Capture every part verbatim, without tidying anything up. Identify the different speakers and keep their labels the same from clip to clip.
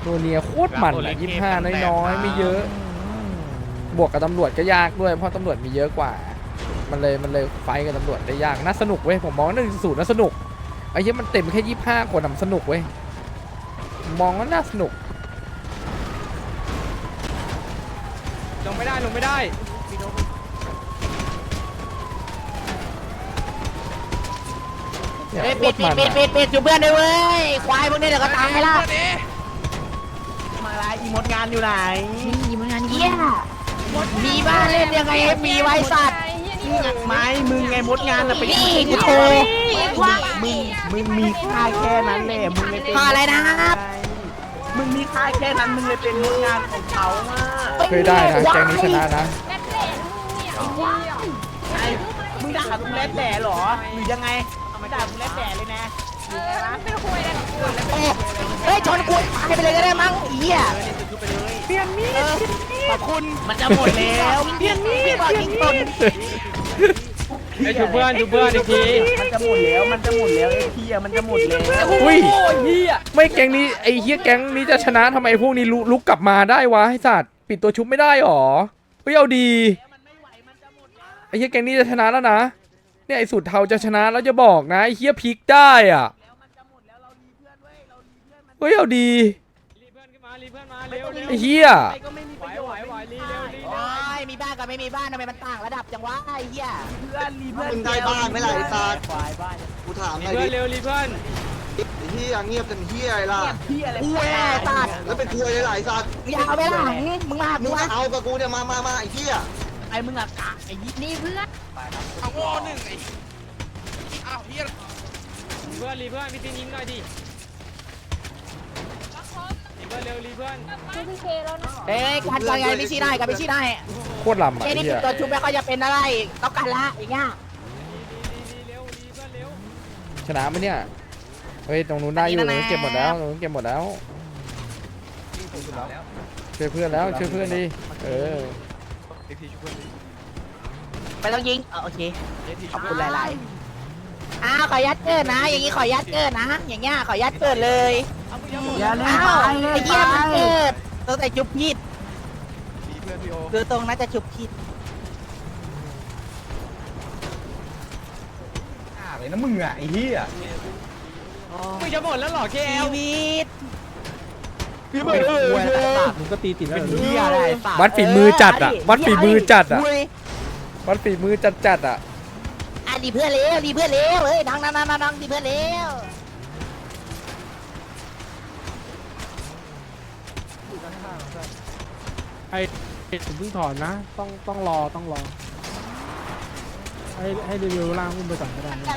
Speaker 1: โนเนียโคตรมันยี่สิบห้าน้อยๆไม่เยอะบวกกับตำรวจก็ยากด้วยเพราะตำรวจมีเยอะกว่ามันเลยมันเลยไฟกับตำรวจได้ยากน่าสนุกเว้ยผมมองว่าหนึ่งศูนย์น่าสนุกไอ้เหี้ยมันเต็มแค่ยี่สิบห้าคนทำสนุกเว้ยมองว่าน่าสนุก
Speaker 2: ลงไม่ได้ลงไม่ได้
Speaker 1: เนี่ยโค
Speaker 3: ปิด
Speaker 1: ตร
Speaker 3: ปิ
Speaker 1: มั
Speaker 3: ด
Speaker 1: น
Speaker 3: ปิดปิดปิดอยู่เพื่อนด้วยเว้ยควายพวกนี้เดี๋ยวก็ตายละ
Speaker 4: มาละอีมดงานอยู่ไหน
Speaker 3: นี่มันงานเยี่ยมีบ้านเล่นยังไงให้มีไว้สัตว์
Speaker 4: ไม้มึงไงมดงานน่ะเป็น
Speaker 3: นี่กูโทร
Speaker 4: มึงมึงมีค่าแค่นั้นแหละมึงเลยเป็น
Speaker 3: พออะไรนะครับ
Speaker 4: มึงมีค่าแค่นั้นมึงเลยเป็นมดงานของเขาอ่ะ
Speaker 1: เคยได้นะแกงนี้ชนะนะ
Speaker 4: ไอ้มึงด่าลุงแรดแด่เหรอหรือยังไงไม่ด่าลุงแรดแด่เลยนะ
Speaker 3: เฮ้ยชนกูตายไปเลยก็ได้มั้งเหี้ย
Speaker 4: เปลี่ยนมีดขอบคุณมันจะหมดแล้วเปลี่ยนมีด
Speaker 3: พี่บอกยิงตน
Speaker 2: ไอ้ชูเพื่อนชูเพื่อนอีกที
Speaker 4: มันจะหมดแล้วมันจะหมดแล้วไอ้เฮียมันจะหมดแล้ว
Speaker 1: อุ้ย
Speaker 2: เฮีย
Speaker 1: ไม่แกงนี้ไอ้เหี้ยแกงนี้จะชนะทำไมพวกนี้ลุลุกกลับมาได้วะไอ้สัตว์ปิดตัวชุบไม่ได้หรอเฮ้ยเอาดีไอ้เหี้ยแกงนี้จะชนะแล้วนะเนี่ยไอ้สุดเทาจะชนะแล้วจะบอกนะไอ้เหี้ยพลิกได้อ่ะเฮ้ยเอาดี
Speaker 2: รีเพื่อนขึ้นมารีเพื่อนมาเร็วเร็ว
Speaker 1: ไอ้เหี้ย
Speaker 2: ไหวไหวไหวรีเร็วรี
Speaker 3: โอ้
Speaker 2: เร็วย
Speaker 3: มีบ้านกับไม่มีบ้านทำไมมันต่างระดับจังวะไอ้เหี้ย
Speaker 4: เพื่อนรีเพื่อน
Speaker 5: มึงได้บ้านไหมล่ะไอ้สัตว์
Speaker 4: ควายบ้าน
Speaker 5: กูถาม
Speaker 2: รี
Speaker 5: หน่อย
Speaker 2: เพื่อ
Speaker 5: ดิ
Speaker 2: นเร็วรีเพื่อน
Speaker 5: ไอ้เฮียเงียบกันเฮียอะไรล่ะ
Speaker 4: เฮียอะไร
Speaker 3: กูแย่สัตว์
Speaker 5: แล้วเป็นคุยอะไรสัตว์
Speaker 3: มึงอยากเอาไปหลังมึงมา
Speaker 5: มึ
Speaker 3: มึ
Speaker 5: ง
Speaker 3: ง
Speaker 5: ก็
Speaker 3: มา
Speaker 5: เอากับกูเนี่ยมามามาไอ้เฮีย
Speaker 4: ไอ้มึงอะกะไอ้ยี่
Speaker 3: นี่เพื่อน
Speaker 6: เอาวอหนึ่งไอ้อ้าวเฮีย
Speaker 2: เพื่อนรีเพื่อนพี่ตีนยิงหน่อยดิรีเพื่อนเร็วรีเพื่อน
Speaker 3: เอ้ยการการงานไม่ชี้ได้กันไม่ชี้ได้
Speaker 1: โคตรลำอ่ะ
Speaker 3: เอ้
Speaker 1: ไอ้
Speaker 3: นี่
Speaker 1: เหี้ย
Speaker 3: ตัวชุบแล้วก็จะเป็นอะไรต้องการละอย่างเงี้ย
Speaker 2: รีเร็วรีเพื่อนเร็ว
Speaker 1: ชนะไหมเนี่ยเฮ้ยตรงนู้นได้อยู่ตรงนู้นเก็บหมดแล้วตรงนู้นเก็บหมดแล้วช่วยเพื่อนแล้วช่วยเพื่อนดิเออ
Speaker 3: ไปต้องยิงโอเคขอบคุณหลายๆอ้าวขอยัดเกินนะ อย่างงี้ขอยัดเกินนะ อย่างเงี้ยขอยัดเกินเลย
Speaker 4: อย่าเล่น
Speaker 3: อ้าว
Speaker 4: ไป
Speaker 3: ไอ้เหี้ยมันเกิดตั้งแต่จุบผิดคือตรงนั้นจะจุบผิด
Speaker 6: เลยนะมึงอ่ะไอ้เฮีย
Speaker 2: มึงจะหมดแล้วเหรอเค
Speaker 3: ชี
Speaker 2: เอล
Speaker 3: วิต
Speaker 6: พี่เบิร์ดเออ
Speaker 4: มึงก็ตีติดแล้วเฮียอะไร
Speaker 1: วัดฝีมือจัดอ่ะวัดฝีมือจัดอ่ะ
Speaker 3: คุย
Speaker 1: วัดฝีมือจัดจัดอ่ะ
Speaker 3: อ่ะดีเพื่อนเลี้ยวดีเพื่อนเลี้ยวเฮ้ยดังดังดังดังดีเพื่อนเลี้ยว
Speaker 7: ผมเพิ่งถอนนะ ต้องต้องรอต้องรอ ให้ให้รีวิวล่างอุ้มไปก่อนก็ได้นะ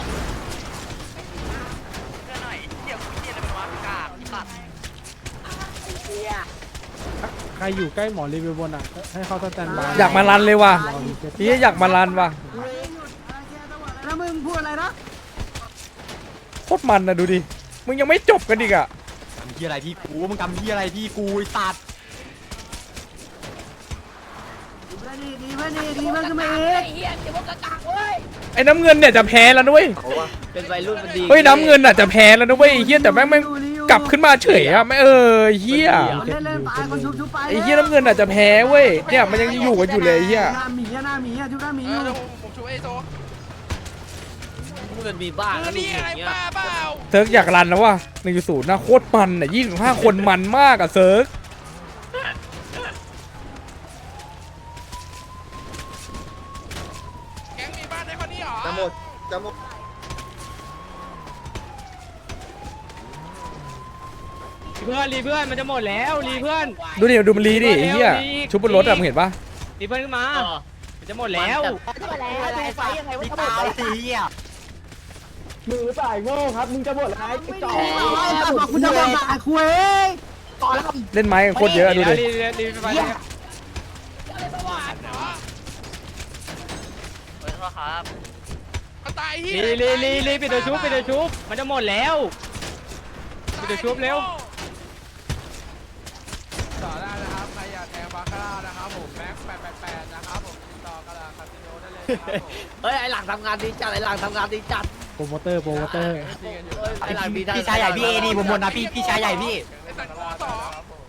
Speaker 7: ใครอยู่ใกล้หมอรีวิวบนอ่ะ ให้เขาสแตนบาย
Speaker 1: อยากมารันเลยว่ะ
Speaker 7: รอรีเซ็ต
Speaker 1: นี่อยากมารันว่ะ
Speaker 4: แล้วมึงพูดอะไรนะ
Speaker 1: โคตรมันนะดูดิมึงยังไม่จบกันอีกอ่ะ
Speaker 6: ทำเฮียอะไรที่กูมึงทำเฮียอะไรที่กูไอ้สัตว์
Speaker 4: ดีดีเพื่อนดีดีเพื่อนขึ้นมาเอง
Speaker 1: ไอ้น้ำเงินเนี่ยจะแพ้แล้วนุ้ย
Speaker 4: เป็นวัยรุ่นมันดี
Speaker 1: เฮ้ยน้ำเงินอ่ะจะแพ้แล้วนะเว้ยไอ้เฮียแต่แม่งแม่งกลับขึ้นมาเฉยอ่ะไม่เออไอ้เฮีย
Speaker 4: เล่นเล่นไปคนชุบชุบไป
Speaker 1: ไอ้เฮียน้ำเงินอ่ะจะแพ้เว้ยเนี่ยมันยังอยู่กันอยู่เลยไอ้เฮีย
Speaker 4: หน้าหมีอะหน้าหมีอะชุบหน้าหมี
Speaker 6: เอ
Speaker 4: อ
Speaker 6: อยู่ เดี๋ยวผมช่วยไอ้โซมันมีบ้าแล้วนี่ไงบ้าเปล่า
Speaker 1: เซิร์กอยากรันแล้วว่ะหนึ่งศูนย์นะโคตรมันอ่ะยี่สิบห้าคนมันมากอ่ะเซิร์ก
Speaker 6: แก๊งมีบ้านในคนนี้เหรอ
Speaker 5: จะหมดจะหมด
Speaker 2: เพื่อนรีเพื่อนมันจะหมดแล้วรีเพื่อน
Speaker 1: ดูดิดูมันรีดิไอ้เฮียชุบบนรถอ่ะมึงเห็นปะ
Speaker 2: รีเพื่อนขึ้นมามันจะหมดแล้ว
Speaker 3: เข้ามาแล้วดูไฟยังไงวะทั้งหมดเลย
Speaker 4: มือสายโง่ครับมึงจะหมดแล้วไอ้จอ
Speaker 3: บอกคุณจะบอกอ่ะคุยต่อแล้ว
Speaker 1: เล่นไม้กันโคตรเยอะดูดิ
Speaker 2: รีรีรีไป
Speaker 3: เหี้ย
Speaker 6: มันตายเฮีย
Speaker 2: รีรีรีรีปิดตัวชุบปิดตัวชุบมันจะหมดแล้วปิดตัวชุบเร็ว
Speaker 6: ต่อได้นะครับใครอยากแทงบาคาร่านะครับผมแม็กแปดแปดแปดนะครับผมติดต่อกระดาษคาสิโนได้เลยนะครับผม
Speaker 4: เฮ้ยไอ้หลังทำงานดีจัดไอ้หลังทำงานดีจัด
Speaker 7: โปรโมเตอร์โปรโมเตอร์
Speaker 4: ไอ้หลังมี
Speaker 3: พี่ชายใหญ่พี่เอดีผมหมดนะพี่พี่ชายใหญ่พี่
Speaker 6: ไอ้สัตว์สอง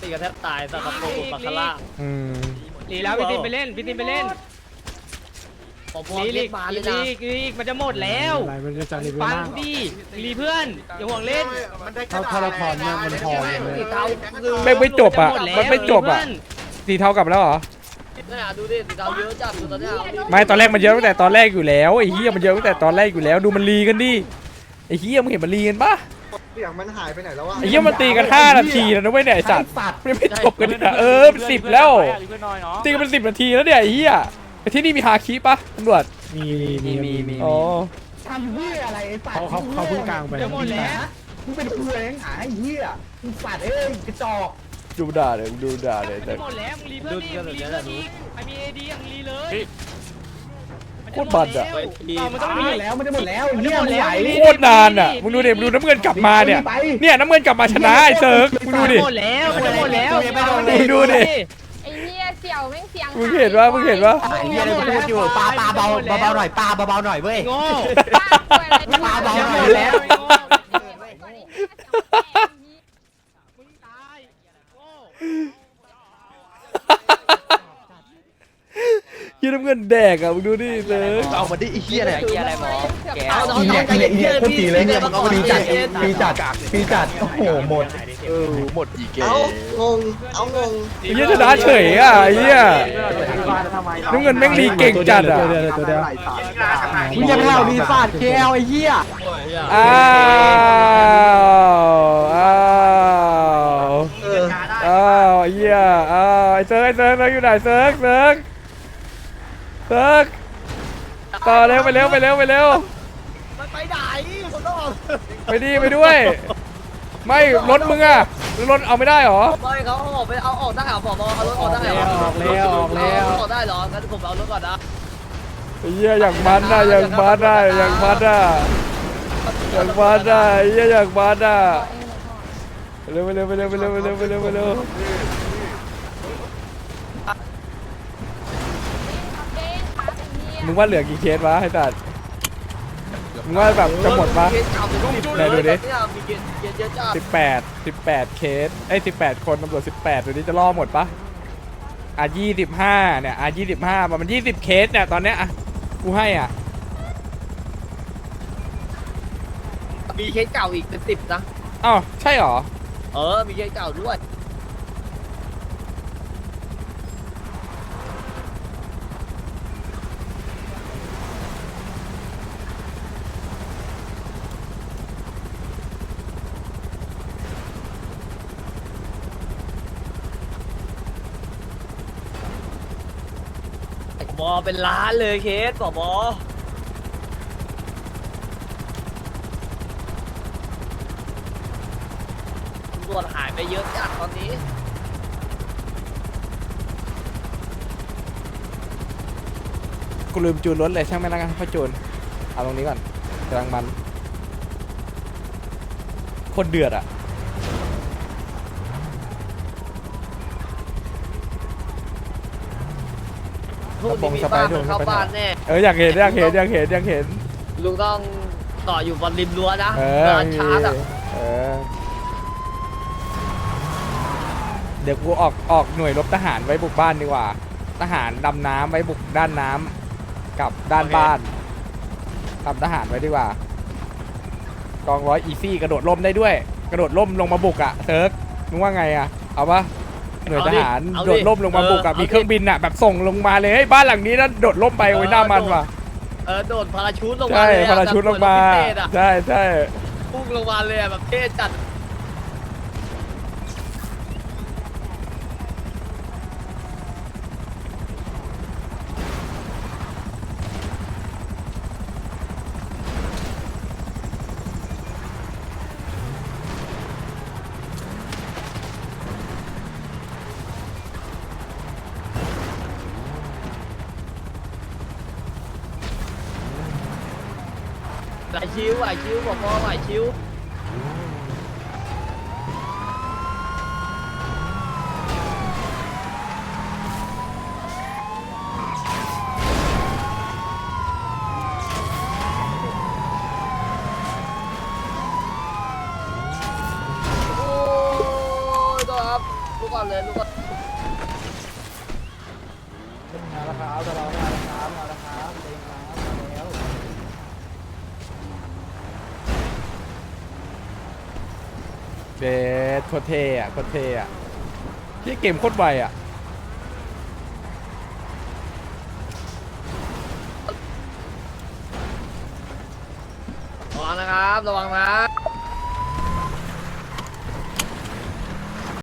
Speaker 4: ตีกันแทบตายสัตว์ตะโกนบาคาร่า
Speaker 1: อืม
Speaker 2: หลีแล้วพี่ตินไปเล่นพี่ตินไปเล่น
Speaker 4: ผมพ
Speaker 2: ลี
Speaker 4: อ
Speaker 2: ลี
Speaker 4: เรีย
Speaker 2: ก
Speaker 4: กมาเลย
Speaker 2: ลี
Speaker 4: นะ
Speaker 2: กลีกมันจะหมดแล้ว
Speaker 7: อะไรมันจะจะรีวิว
Speaker 2: ฟัง
Speaker 7: มาก
Speaker 2: กูดิลีเพื่อนอย่าห่วงเล่น
Speaker 7: ถ้าถ้าเราถอนเนี่ยมันพอเลย
Speaker 4: สีเทาคือ
Speaker 1: ไม่ไม่จบอ่ะ
Speaker 2: หดแล้ว
Speaker 1: มันไม่จบอ่ะ
Speaker 2: ลีเพื่น
Speaker 1: สีเทากลับแล้วเหรอ
Speaker 4: เนี่ยดูดิสีเทาเยอะจัดดูตอนเนี้ย
Speaker 1: ไม่ตอนแรกมันเยอะตั้งแต่ตอนแรกอยู่แล้วไอ้เหี้ยมันเยอะตั้งแต่ตอนแรกอยู่แล้วดูมันรีกันดิไอ้เหี้ยมึงเห็นมันรีกันปะ
Speaker 5: เสียงมันหายไปไหนแล้ววะ
Speaker 1: ไอ้เหี้ยมันตีกันห้านาทีแล้วนะเว้ยเนี่ยไอ้สัตว์มันยังไม่จบกันเลยนะเออเป็นสิบแล้วตีกันเป็นสิบนาทีแล้วเนี่ยไอ้เหี้ยไอ้ที่นี่มีฮาคิปะตำรวจ
Speaker 7: มีมีมีมี
Speaker 1: อ๋อ
Speaker 3: ทำเหี้ยอะไรไอ้สัต
Speaker 7: เขา
Speaker 3: ว์
Speaker 7: เขาเขาเพิ่งกลางไป
Speaker 2: จะหมดแล้ว
Speaker 3: มึงเป็นครูเองหาไอ้เหี้ยมึงสัตว์เอ้ยกระจอก
Speaker 1: ดูด่าเลยดูด่าเลย
Speaker 2: จะหมดแล้วมึงรีเพื่อนดิมึงรีเพื่อนอีกใครมีเอดีมึงรีเลย
Speaker 1: โคตรบัดอ่ะ
Speaker 2: เอามันต้อง
Speaker 3: มัน
Speaker 2: มี
Speaker 3: หมดแล้วมันจะหมดแล้ว
Speaker 2: มันจะ
Speaker 3: เหี้ย
Speaker 2: หมด
Speaker 3: มึง
Speaker 2: แล้ว
Speaker 3: ไหว
Speaker 1: โคตรนานอ่ะมึงดูเด็มึงดูน้ำเงินกลับมาเนี่ยเนี่ยน้ำเงินกลับมาชนะไอ้เซิร์กมึงดูดิ
Speaker 2: หมดแล้วมันจะหมดแล้ว
Speaker 1: มึงดูดิ
Speaker 8: ไอ้เหี้ยเสี่ยวแม่งเสียง
Speaker 1: มึงเห็นปะมึงเห็นปะ
Speaker 3: ไอ้เหี้ยเลยพูดอยู่ปลาปลาเบาเบาๆหน่อยปลาเบาๆหน่อยเว้ย
Speaker 2: โง่
Speaker 8: ป้าป่วยอะไร
Speaker 3: ปลาเบา
Speaker 2: จะ
Speaker 3: ๆ
Speaker 2: ห
Speaker 3: ห
Speaker 2: ม
Speaker 3: น่อ
Speaker 2: ด
Speaker 3: ย
Speaker 2: แล้
Speaker 3: แล้ว ว
Speaker 2: มึงตายโง่
Speaker 1: ยี่น้ำเงินแดกอ่ะมึงดูดิเซิร์ก
Speaker 6: เอามาดิไอ้เหี้ยเนี่ย
Speaker 8: ไอ้เหี้ยอะไรหมอแก
Speaker 4: เอาน้องๆใจเย็นๆพี่เลยเนี่ยมันปีจัดปีจัด
Speaker 3: ปีจัดโอ้โหหมด
Speaker 6: เออหมดอีกเก
Speaker 5: เอางงเอางง
Speaker 1: ไอ้เหี้ยชนะเฉยอ่ะไอ้เหี้ยน้ำเงินแม่งรีเก่งจัดอ่ะ
Speaker 7: ตัวเดียวตัวเดียว
Speaker 3: มึงจะเล่าดีฟาดเคลไอ้เหี้ย
Speaker 1: อ้าวอ้าว
Speaker 5: เออ
Speaker 1: อ้าวไอ้เหี้ยอ้าวไอ้เซิร์กไอ้เซิร์กเซิร์กอยู่ไหนเซิร์กเซิร์กเซิร์กต่อเร็วไปเร็วไปเร็วไปเร็ว
Speaker 4: มันไปไหนคนต้อง
Speaker 1: ไปดีไปด้วย ไม่รถมึงอ่ะรถเอาไม่ได้หรอ
Speaker 4: ไม่เขาออกไปเอาออกได้เหรอผมเอารถออกได้เหรอ
Speaker 3: ออกแล้วออกแล้ว
Speaker 4: ออกได้เหรองั้นผมเอารถก่อนนะ
Speaker 1: ไอ้เหี้ยอย่างมันน่ะอย่างมันน่ะอย่างมันน่ะอย่างมันน่ะไอ้เหี้ยอย่างมันน่ะไปเร็วไปเร็วไปเร็วไปเร็วไปเร็วไปเร็วไปเร็วมึงว่าเหลือกี่เคสวะไอ้สัตว์มึงว่าแบบจะหมดปะ ไหนดูดิ
Speaker 4: มีเกณฑ์เกณฑ์เยอะจ้า
Speaker 1: สิบแปดสิบแปดเคสไอ้สิบแปดคนตำรวจสิบแปดตัวนี้จะล่อหมดปะอ่ะยี่สิบห้าเนี่ยอ่ะยี่สิบห้ามันยี่สิบเคสเนี่ยตอนเนี้ยอ่ะกูให้อ่ะ
Speaker 4: มีเคสเก่าอีกเป็นสิบนะ
Speaker 1: อ้าวใช่เหรอ
Speaker 4: เออ มีเคสเก่าด้วย บอเป็นล้านเลยเคสบอบอตำรวจหายไปเยอะจัดตอนนี้
Speaker 1: กูลืมจูนรถเลยช่างไม่ละกันพ่อจูนเอาตรงนี้ก่อนกำลังมันโคตรเดือดอ่ะ
Speaker 4: พวกนี้มีบ้านมันเข้าบ้านแน่
Speaker 1: เอออยากเห็นอยากเห็นอยากเห็นอยากเห็น
Speaker 4: ลุงต้องต่ออยู่บนริมรั้วนะ
Speaker 1: เออ
Speaker 4: ร้านชาร์จอ่ะ
Speaker 1: เออเดี๋ยวกูออกออกหน่วยรบทหารไว้บุกบ้านดีกว่า ทหารดำน้ำไว้บุกด้านน้ำกับด้านบ้านทำทหารไว้ดีกว่ากองร้อยอีซี่กระโดดร่มได้ด้วย กระโดดร่มลงมาบุกอ่ะเซิร์กมึงว่าไงอ่ะเอาปะหน่วยทหารโดดร่มลงมาบุกอะมีเครื่องบินอ่ะแบบส่งลงมาเลยเฮ้ยบ้านหลังนี้นะโดดร่มไปโอ้ยหน้ามันว่ะ
Speaker 4: เออโดดพาราชูตลงมา
Speaker 1: ใช่
Speaker 4: เลยอะ
Speaker 1: พาราชุดลงมา
Speaker 4: แบบเหอนรถพิเศษอะ
Speaker 1: ใช่ใช่
Speaker 4: พุ่งลงมาเลยอะแบบเท่จัด ไหวชิวไหวชิวบอกว่าไหวชิวโอ้ยตัวครับลูกก่อนเลยลูก
Speaker 7: มาแล้วครับจะรอมาแล้วครับมาแล้วครับเองครับมาแล้ว
Speaker 1: เบสโคตรเท่อะโคตรเท่อะที่เกมโคตรไวอะ
Speaker 4: ระวังนะครับระวังนะ